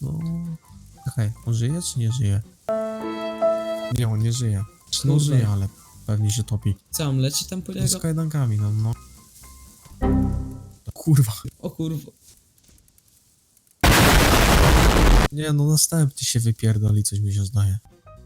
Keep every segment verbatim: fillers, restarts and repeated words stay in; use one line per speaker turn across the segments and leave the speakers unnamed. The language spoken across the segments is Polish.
No... Czekaj, on żyje czy nie żyje? Nie, on nie żyje. No
Kurde.
żyje, ale pewnie się topi.
Co, on leci tam po
No z
niego?
kajdankami, no, no. Kurwa.
O kurwa.
Nie, no następny się wypierdoli, coś mi się zdaje.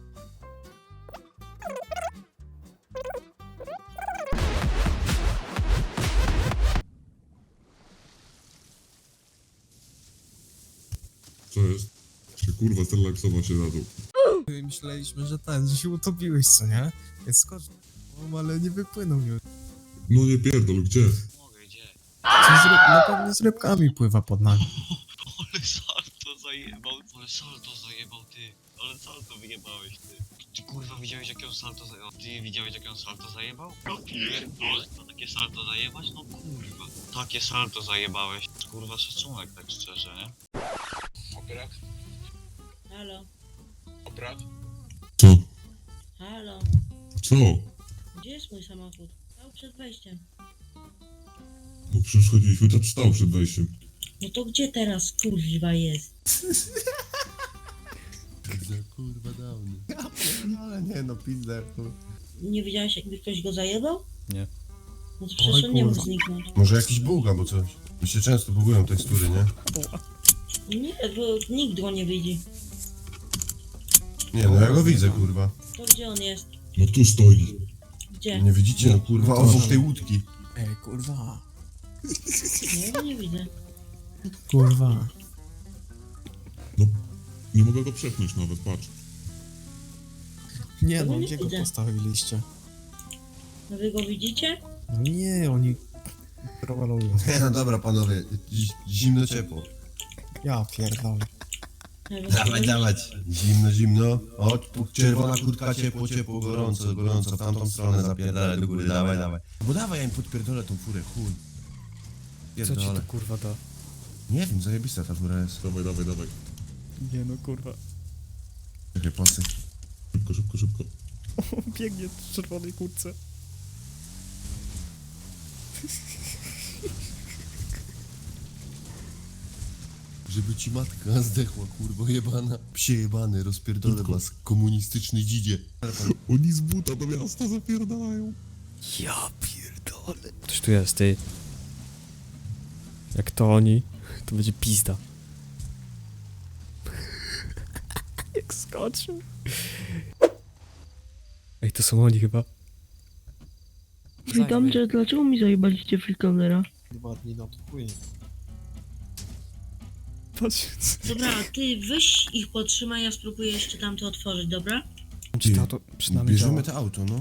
Co jest? Czy kurwa zrelaksował się na dół?
Myśleliśmy, że ten, że się utopiłeś, co nie? Więc skocz. No, ale nie wypłynął już.
No nie pierdol, gdzie?
Mogę, gdzie?
Co z ryb... No pewnie z rybkami pływa pod nami.
Ale salto zajebał, ale salto zajebał ty. Ale salto wyjebałeś ty. Ty kurwa widziałeś jakie on salto zajebał? Ty widziałeś jakie on salto zajebał? No pierdolę. To takie salto zajebać? No kurwa. Takie salto zajebałeś. Kurwa szacunek tak szczerze, nie?
Operat?
Halo,
Operat?
Co?
halo,
Co?
gdzie jest mój samochód? Stał przed wejściem.
No przecież chodziliśmy, to stał przed wejściem.
No to gdzie teraz kurwa jest?
Kurwa dawny. No ale nie no, pizder.
Nie widziałeś jakby ktoś go zajebał?
Nie.
No to przecież on nie mógł
kurwa.
zniknąć.
Może jakiś bóg albo coś. Mi się często bugują tekstury, nie?
Nie, bo nikt go nie widzi.
Nie no, ja go widzę, kurwa.
To gdzie on jest?
No tu stoi.
Gdzie?
Nie widzicie, no kurwa, obok tej łódki.
Ej, kurwa.
Nie, go nie widzę.
Kurwa.
No, nie mogę go przepchnąć nawet, patrz.
Nie
Tego
no,
nie
gdzie go
widzę.
postawiliście?
No wy go widzicie?
No nie, oni... Prowalują.
Nie no dobra, panowie, zi- zimno ciepło.
Ja pierdolę.
Ja go
Dawaj,
nie
dawać. Zimno, zimno. O, tu czerwona kurtka, ciepło, ciepło, gorąco, gorąco. W tamtą stronę zapierdalę do góry, dawaj, dawaj. Bo dawaj, ja im podpierdolę tą furę, chuj.
Co ci
Pierdolę.
to kurwa da?
Nie wiem, zajebista ta fura jest.
Dawaj, dawaj, dawaj.
Nie no, kurwa.
Czekaj, pasy.
Szybko, szybko, szybko.
Biegnie w czerwonej kurtce.
Żeby ci matka zdechła, kurwo jebana. Psie jebany, rozpierdolę was, komunistyczny dzidzie.
Oni z buta do miasta zapierdalają.
Ja pierdolę. Ktoś tu jest, ty. Jak to oni, to będzie pizda. Jak skoczył. Ej, to są oni chyba.
Witam, że dlaczego mi zajebaliście freekonera?
Dwa dni na to płynie. Patrz,
Dobra, ty weź ich podtrzymaj, ja spróbuję jeszcze tamto otworzyć, dobra?
czy to auto przynajmniej
Bierzemy
działa?
to auto, no.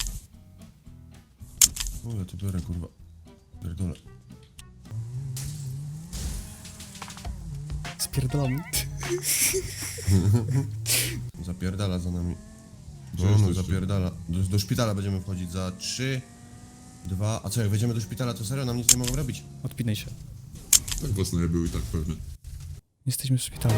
O, ja to biorę, kurwa. Pierdolę.
Spierdolamy.
Zapierdala za nami.
Gdzie
No, no,
jesteście?
zapierdala. Do, do szpitala będziemy wchodzić za trzy, dwa. A co, jak wejdziemy do szpitala, to serio nam nic nie mogą robić?
Odpinaj się.
Tak was były i tak pewnie.
Jesteśmy w szpitalu.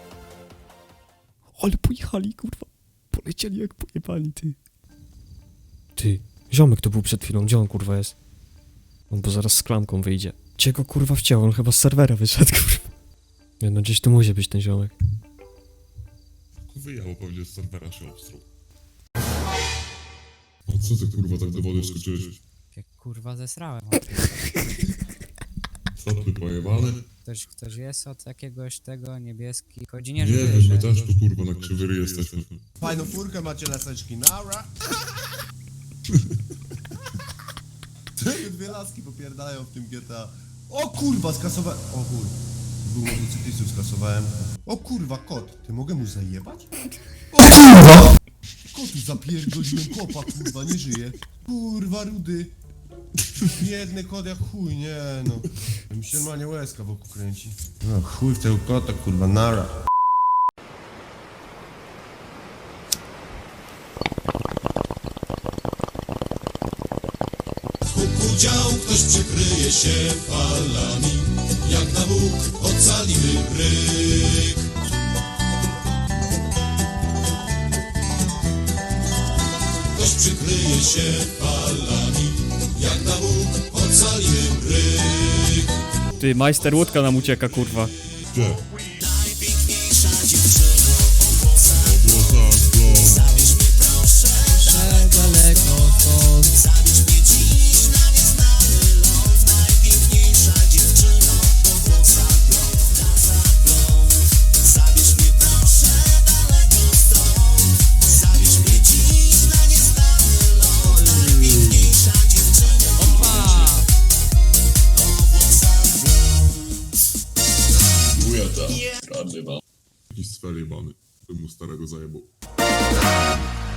Ale pojechali, kurwa. Polecieli jak pojebani, ty. Ty, ziomek to był przed chwilą. Gdzie on, kurwa, jest? On bo zaraz z klamką wyjdzie. Gdzie go, kurwa, wciął? On chyba z serwera wyszedł, kurwa. Nie no, gdzieś tu musi być ten ziomek.
Wyjęło pewnie z serwera się obstruł. O co ty kurwa tak do wody skoczyłeś?
Jak kurwa zesrałem.
Stopy pojebane?
Ktoś, ktoś jest od jakiegoś tego niebieski. Chodzi
Nie
nie, że
wiem,
wiesz,
my
że-
też tu kurwa na krzywy jesteśmy.
Fajną furkę macie, laseczki, nara! Czego dwie laski popierdalają w tym G T A? O kurwa, skasowałem... O kur... Był motocyklistów, skasowałem. O kurwa, kot. Ty mogę mu zajebać? O kurwa! Kotu zapierdoliłem, kopa, kurwa, nie żyje. Kurwa, rudy. Biedny kot jak chuj, nie no. Mi się normalnie łezka wokół kręci. No chuj w tego kota, kurwa, nara.
Udział ktoś przykryje się falami, jak na Bóg ocalimy bryk. Ktoś przykryje się falami, jak na Bóg ocalimy bryk.
Ty, majster łódka nam ucieka, kurwa.
Gdzie?
Najpiękniejszy Jakiś sfer jebany, bym mu starego zajebał.